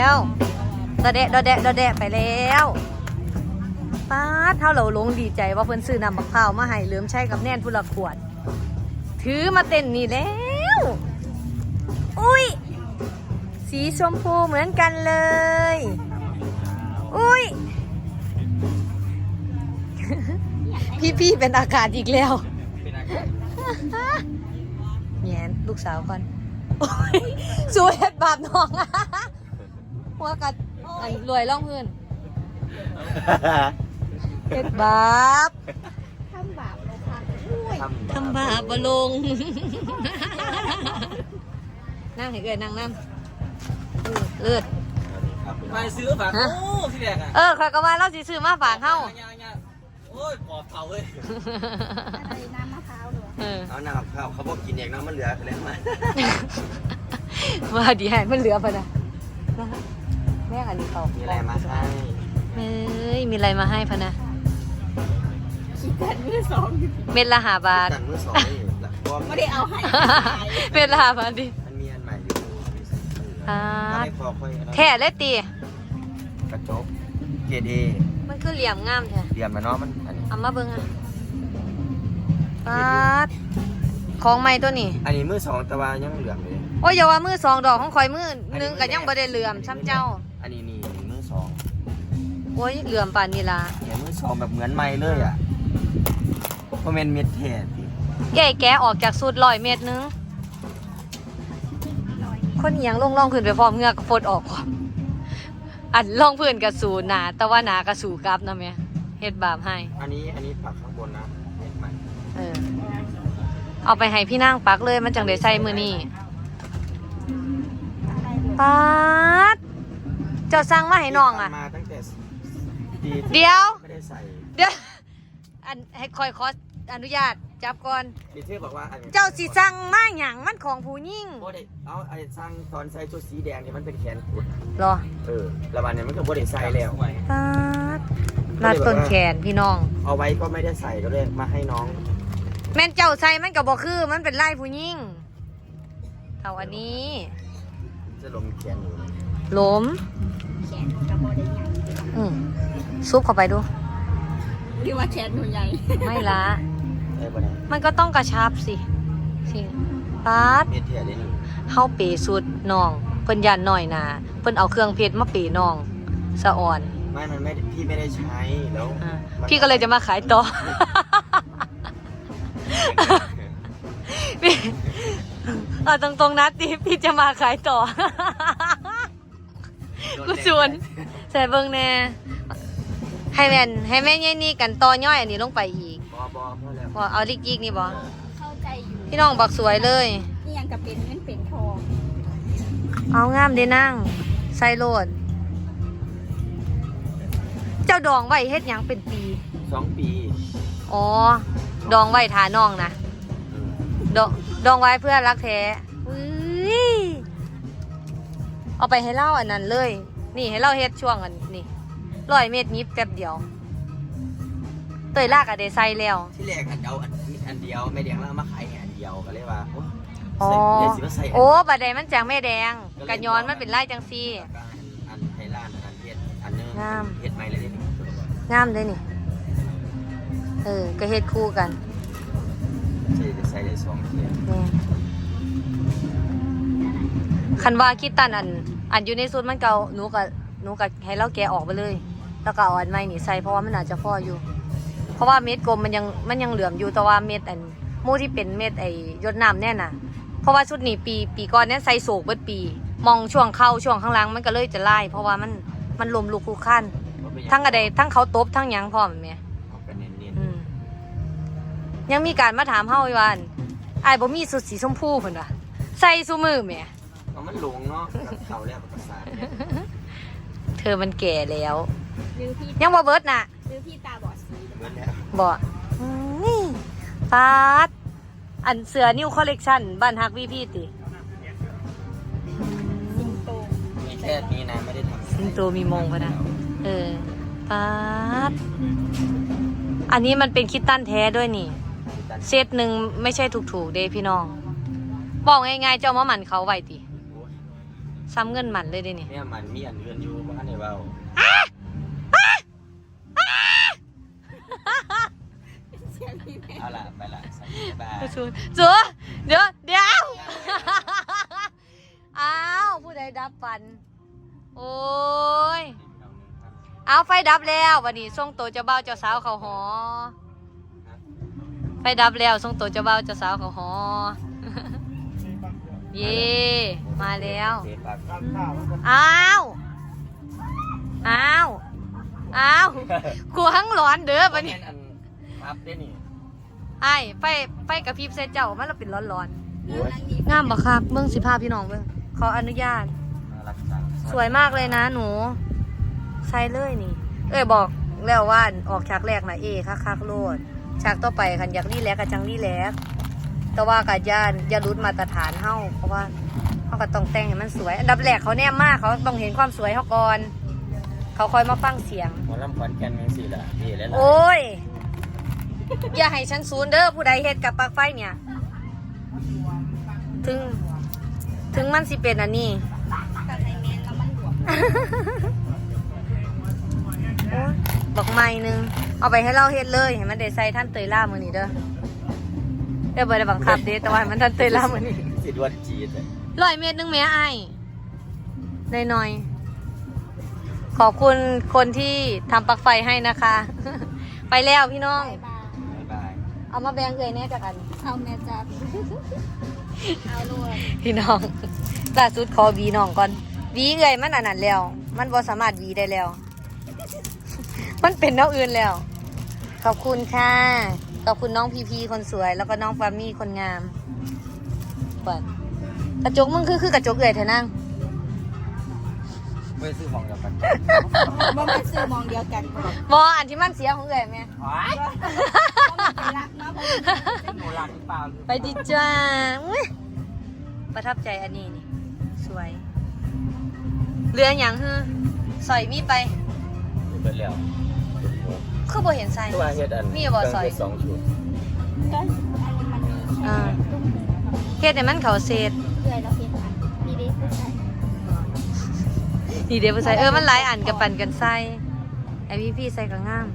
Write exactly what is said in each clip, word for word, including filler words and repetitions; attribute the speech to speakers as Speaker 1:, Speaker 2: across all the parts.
Speaker 1: แล้วดอแดะดอแดะดอแดะไปแล้วป้าเท่าเราลงดีใจว่าเพิ่นซื้อน้ำมะพร้าวมาให้เหลือมใช้กับแน่นพุละขวดถือมาเต้นนี่แล้วอุ้ยสีชมพูเหมือนกันเลยอุ้ย พี่ๆเป็นอากาศอีกแล้วแง่ลูกสาวก่อนสู้เฮ็ดบาปน้องหัวกัดรวยล่องพื้นเฮ็ดบาปทำบาปลงค่ะทำบาปบ่ลงนั่งให้เกิดนั่งนั่งเลิศ
Speaker 2: มาซื้อฝากโอ้ที่แรกอ่ะ
Speaker 1: เออข้อยก็ว่าเราสิซื้อมาฝากเฮา
Speaker 2: โอ้ยปอบเผาเว้ย
Speaker 3: อะไรน้ำมะพร้าวหรอ
Speaker 2: เอาน้ำมะพร้าวเขาบอกกินเองนะมันเหลือแล้วมา
Speaker 1: ว่าดีให้มันเหลือปะนะแม่อันนี้เขา
Speaker 2: มีอะไรมาให้
Speaker 1: เฮ้ยมีอะไรมาให้พะนะ
Speaker 3: ขีดกันมือสอง
Speaker 1: เม็ดละห้าบาท
Speaker 2: กันมือสองนี่
Speaker 3: ไม่ได้เอาให้
Speaker 1: เม็ดละห้าบาทดิ
Speaker 2: มันมีอันใหม่อยู่
Speaker 1: อ่า
Speaker 2: แท้
Speaker 1: แท้เลยตี
Speaker 2: กระจกเกรดเอ
Speaker 1: มันคือเหลี่ยมงามแท้
Speaker 2: เหลี่ยมนะเนาะมัน
Speaker 1: เอามาเบิ่งอ่ะปาดของใหม่ตัวนี้
Speaker 2: อันนี้มือสองแต่ว่ายังเหลือมเลย
Speaker 1: โอ้ยอย่าว่ามือสองดอกของข่อยมือนึงก็ยังบ่ได้เหลื่อมซ้ำเจ้า
Speaker 2: อันนี้นี่มือสอง
Speaker 1: โอ้ยเหลื่อมป่านนี้ล่ะ
Speaker 2: เนี่ยมือสองแบบเหมือนใหม่เลยอ่ะเพราะมันเม็ดแท้พี่
Speaker 1: ใหญ่แกะออกจากสูตรร้อยเมตรนึงคนเอียงลงล่องพื้นไปพร้อมเหงือกฟดออกพร้อมอันล่องพื้นกับสูหนาแต่ว่าหนากับสูกลับนะแม่เฮ็ดบาปให้
Speaker 2: อันนี้อันนี้ปักข้างบนนะเม็ดใหม่
Speaker 1: เออเอาไปให้พี่นางปักเลยมันจังได้ใส่มือนี่ปัดเจ้าสั่งมาให้น้องอ่ะ
Speaker 2: มาตั้งแต่
Speaker 1: เดี๋ยว
Speaker 2: ไม่ได้ใส่
Speaker 1: เดี๋ยวอันให้คอยขออนุญาตจับก่อน
Speaker 2: ดิเทอบอกว่า
Speaker 1: เจ้าสิสั่งมาหยังมันของผู้หญิง
Speaker 2: โบเด็เอาไอ้สั่งตอนใส่ชุดสีแดงเนี่ยมันเป็นแขนกุด
Speaker 1: หรอ
Speaker 2: เออแล้ววันนี้มันก็โบเด็ใส่แล้ว
Speaker 1: ปัดรัดต้นแขนพี่น้อง
Speaker 2: เอาไว้ก็ไม่ได้ใส่ก็เลยมาให้น้อง
Speaker 1: แม่นเจ้าใส่มันก็บ่คือมันเป็นลายผู้หญิงเท่าอันนี้
Speaker 2: จะลมแขนอยู่
Speaker 1: ล้ม
Speaker 3: แขนกระบอกได้ใหญ่
Speaker 1: อืมซุปเข้าไปดู
Speaker 3: หรือว่าแขนหนูใหญ่
Speaker 1: ไม่ละมันก็ต้องกระชับสิสิป๊าดเฮาเปสุดน้องเพิ่นยันหน่อยนาเพิ่นเอาเครื่องเพชรมาเปน้องสะอ่อน
Speaker 2: ไม่มันไม่พี่ไม่ได้ใช้แล้ว
Speaker 1: พี่ก็เลยจะมาขายต่อเอาตรงๆนะติพี่จะมาขายต่อกูชวนใส่เบิ่งแน่ให้แม่นให้แม่ยัยนี่กันต่อย่อยอันนี้ลงไปอีก
Speaker 2: บอบอพอแล้ว
Speaker 1: พอเอาลิกยิกนี่บอ
Speaker 3: เข้าใจอยู่
Speaker 1: พี่น้องบักสวยเลย
Speaker 3: นี่ยังกับเป็นเงินเป็นทอง
Speaker 1: เอางามเด้นั่งใส่โลดเจ้าดองไว้เฮ็ดหยังเป็นปี
Speaker 2: สองปี
Speaker 1: อ๋อดองไว้ทาน้องนะดองดองไว้เพื่อรักแท้เอาไปให้เล่าอันนั้นเลยนี่ให้เล่าเฮ็ดช่วงอันนี่ร้อยเมตรนี้แป๊บเดียวเตยลากอะเดใส่แล้ว
Speaker 2: ที่แรกอันเดียวอันเดียวแม่แดงแล้วมาขายอันเดียวก็เลยว่า
Speaker 1: อ๋อโอ้บะแดงมันจากแม่แดงกันย้อนมันเป็นไร่จังซี่
Speaker 2: อันไทยล้านอันเฮ็ดอันนึงงามเฮ็ดใหม่เลยนี่
Speaker 1: งามเลยนี่เออก็เฮ็ดคู่กัน
Speaker 2: ใส่ใส่ได้สองเทีย
Speaker 1: คันว่าคิดตันอันอันอยู่ในสูตรมันเก่าหนูกับหนูกับให้เราแกะออกไปเลยแล้วก็เอาอันใหม่นี่ใส่เพราะว่ามันอาจจะพออยู่เพราะว่าเม็ดกลมมันยังมันยังเหลื่อมอยู่แต่ว่าเม็ดอันมูที่เป็นเม็ดไอยดน้ำแน่น่ะเพราะว่าชุดนี้ปีปีก่อนนี้ใส่โศกเบิดปีมองช่วงเข้าช่วงข้างล่างมันก็เลยจะไล่เพราะว่ามันมันลมลุกคุกขั้นทั้งอะไรทั้งเขาตบทั้งยังพร้อมไหมยังมีการมาถามเฮาอีวันไอ้บ่มีสุดสีชมพูเพิ่นว่ะใส่ซุมือแหม
Speaker 2: มันหลงเนาะเขาแล้วภาษา
Speaker 1: เธอมันแก่แล้วยังบ่เบิดน่ะ
Speaker 3: หรือพี่ตาบอดสี
Speaker 2: เบิดแล้ว
Speaker 1: บ่นี่ปาดอันเสือนิวคอลเลกชันบ้านฮักวีพีติ
Speaker 3: สิงโต
Speaker 2: มีแค่นี้นะไม่ได้ทำ
Speaker 1: สิงโตมีมงป่ะนะเออปาดอันนี้มันเป็นคิตตันแท้ด้วยนี่เซตหนึ่งไม่ใช่ถูกๆเด้พี่น้องบอกง่ายๆเจ้ามาหมันเขาไว้ติซ้ำเงินหมันเลยเดินี่
Speaker 2: เนี่ยมันมีอันอื่นอยู่บ้านในเบา
Speaker 3: เสียงพี่แม่
Speaker 2: เอาละไปละสวัสดีบ๊ายบาย
Speaker 1: จูจูเดี๋ยวเดี๋ยวอ้าวผู้ใดดับฟัน โอ้ยเอาไฟดับแล้ววันนี้ส่งตัวเจ้าบ่าวเจ้าสาวเขาหอไฟดับแล้วส่งตัวเจ้าบ่าวเจ้าสาวเขาหอ เย่มาแล้ว
Speaker 2: เสร็จปั๊บ
Speaker 1: อ้าวอ้าวอ้าวกลัวทั้งร้อนเด้อ
Speaker 2: วั
Speaker 1: วัน น
Speaker 2: นี้
Speaker 1: นี้
Speaker 2: อันครับได้นี่
Speaker 1: ไอ้ไฟไฟกระพริบใส่เจ้ามันเราเป็นร้อนร้อน
Speaker 2: โอ้ย
Speaker 1: ๆงามบักคักเมืองสิภาพพี่น้องเบิ่งขออนุญาต
Speaker 2: น่ารักจัง
Speaker 1: สวยมากเลยนะหนูใส่เลยนี่ เอ้ยบอกแล้วว่าออกฉากแรกนะเอคักคักๆโลดฉากต่อไปคันอยากรีแลกกับจังรีแลกแต่ว่ากับย่านอย่ารุดมาตรฐานเฮาเพราะว่าเฮาก็ต้องแต่งให้มันสวย อันดับแรกเขาแนมมากเขาต้องเห็นความสวยเขาก่อนเขาคอยมาฟังเสียง
Speaker 2: หมอลำขอนแก่นยังสี่ละดีแล้วล่ะ
Speaker 1: โอ้ย อย่าให้ฉันซูนเด้อผู้ใดเฮ็ดกับปลั๊กไฟเนี่ย ถึง ถึงมันสิเป็นอันนี้
Speaker 3: กับไอแมนแล้วมันบวก
Speaker 1: โอ๊ยบอกไม่หนึง เอาไปให้เราเฮ็ดเลยให้มันได้ใส่ท่านเตยล่ามือนี้เด้อเดี๋ยวบ่ได้บังคับเด้แต่ว่าให้มันท่านเตยล่ามือนี้
Speaker 2: สิดวนจีดเลย
Speaker 1: ร้อยเมตรหนึงแม่ไอ้ได้หน่อยๆขอบคุณคนที่ทำปลั๊กไฟให้นะคะ ไปแล้วพี่น้อง
Speaker 3: บายบาย
Speaker 2: บ๊ายบาย
Speaker 1: เอามาแบ่งเลยแน่จากกัน
Speaker 3: เอาแม่จับเอาลูก
Speaker 1: พี่น้องล่าสุดขอหวีน้องก่อนหวีเลยมันอันนั้นแล้ว มันบ่สามารถหวีได้แล้ว มันเป็นน้องอื่นแล้ว ขอบคุณค่ะ ขอบคุณน้องพีพีคนสวย แล้วก็น้องฟามี่คนงามเปิดกระจกมึงคือคือกระจกเลยเถอะนั่ง
Speaker 2: ไม่ซื้อของกับกัน
Speaker 3: ว่ามันซื้อมองเดียวกันบ่
Speaker 1: บออันที่มันเสียของเลยไหม
Speaker 2: ว้าย
Speaker 3: ไปรักเนาะบ่
Speaker 2: หนูรักหรือเปล่า
Speaker 1: ไปดิจ้าอุ๊ยประทับใจอันนี้นี่ สวย เรืออย่างฮือสอยมีดไป
Speaker 2: เบิดแล้ว
Speaker 1: คือบ่เห็นใส่
Speaker 2: ตัวเฮ็ดอัน
Speaker 1: มีบ่ซอย
Speaker 2: เครื่องเฮ็ดสองชุด
Speaker 3: ก็อันนี้มันมีแค่
Speaker 1: อ่า
Speaker 3: ตุ้ม
Speaker 1: เฮ็ดให้มันเขาเศษ
Speaker 3: เพื่อยแล้วเห็นอันนี่ดิผู้ชาย
Speaker 1: นี่เดี๋ยวไปใส่เออมันหลายอันกับปั่นกันใส่ไอพี่พี่ใส่ก็งาม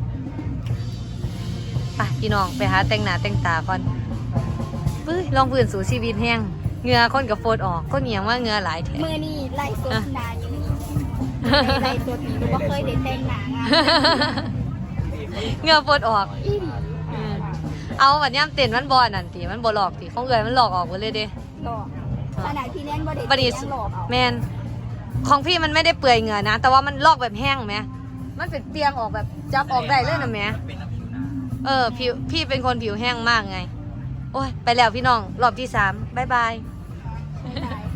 Speaker 1: ไปพี่น้องไปหาแต่งหน้าแต่งตาก่อนปื้ยลองพื้นสู่ชีวิตแห้งเหงื่อคนกับโฟดออกคนเหนียงว่าเหงื่อหลายแท้
Speaker 3: มือนี่ไล่สดนาอยู่นี่ไล่สดนี่หนูบ่เคยได้แต่งหน้างาน
Speaker 1: เหงื่อโฟดออก
Speaker 3: อีหลี
Speaker 1: อืมเอาบัดย่ำเต้นมันบอนั่นติมันบ่หลอกติของเอื่อยมันหลอกออกหมดเลยเด้
Speaker 3: หลอกขนาดพี่เล่นบ่ได้
Speaker 1: บัดนี้
Speaker 3: แต่งหลอกเอา
Speaker 1: แมนของพี่มันไม่ได้เปื่อยเหงื่อนะ แต่ว่ามันลอกแบบแห้งไหมมันเป็นเปียงออกแบบจับออกได้เลยนะแม่
Speaker 2: เป็นน้ำผิวหนา
Speaker 1: เออผิวพี่เป็นคนผิวแห้งมากไง โอ้ย ไปแล้วพี่น้อง รอบที่สามบ๊ายบาย
Speaker 3: ไม่ได้